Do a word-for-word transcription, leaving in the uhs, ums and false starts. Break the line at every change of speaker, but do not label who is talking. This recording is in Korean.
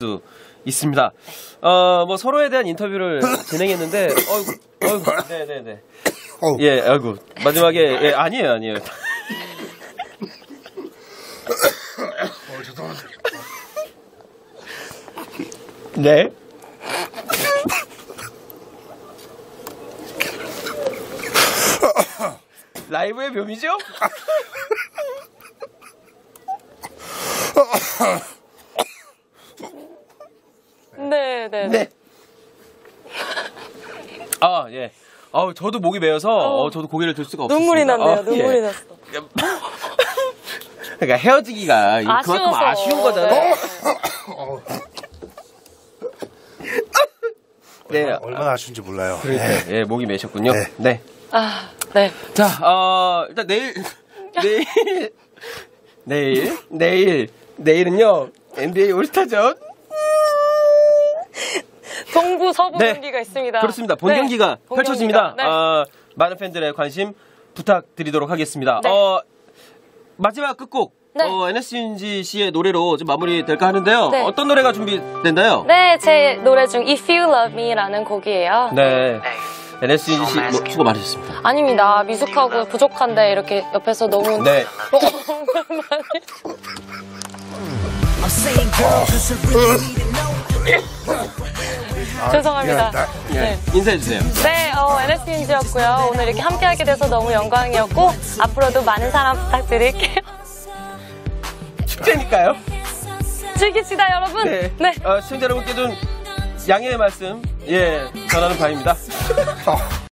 수 있습니다. 어, 뭐 서로에 대한 인터뷰를 진행했는데, 어이구, 어이구, 네네네. 예, 아이고, 마지막에, 예, 아니에요, 아니에요.
어, 죄송합니다.
네. 라이브의 묘미죠?
네, 네,
네. 아, 예. 아, 저도 목이 메어서 어, 저도 고개를 들 수가 없었습니다.
눈물이 났네요.
아,
눈물이
예.
났어.
그러니까 헤어지기가 그만큼
아쉬워서.
아쉬운 거잖아요.
네.
네.
얼마나, 얼마나 아쉬운지 몰라요.
그러니까, 예, 목이 메셨군요.
네.
네.
아, 네.
자, 어, 일단 내일, 내일, 내일, 내일, 내일은요, 엔비에이 올스타전.
동부 서부
네.
경기가 있습니다.
그렇습니다. 본
네.
경기가
본
펼쳐집니다.
경기가. 네.
어, 많은 팬들의 관심 부탁드리도록 하겠습니다.
네.
어, 마지막 끝곡.
네.
어, 엔에스윤지 씨의 노래로 좀 마무리될까 하는데요.
네.
어떤 노래가 준비됐나요?
네, 제 노래 중 If You Love Me라는 곡이에요.
네. 엔에스윤지 씨, 뭐, 수고 많으셨습니다.
아닙니다. 미숙하고 부족한데 이렇게 옆에서 너무
네.
죄송합니다.
예.
네.
인사해주세요.
네, 어, 엔에스윤지였고요. 오늘 이렇게 함께하게 돼서 너무 영광이었고 앞으로도 많은 사랑 부탁드릴게요.
축제니까요.
즐깁시다, 여러분.
네.
네.
어, 시청자 여러분께 좀 양해의 말씀, 예, 전하는 바입니다.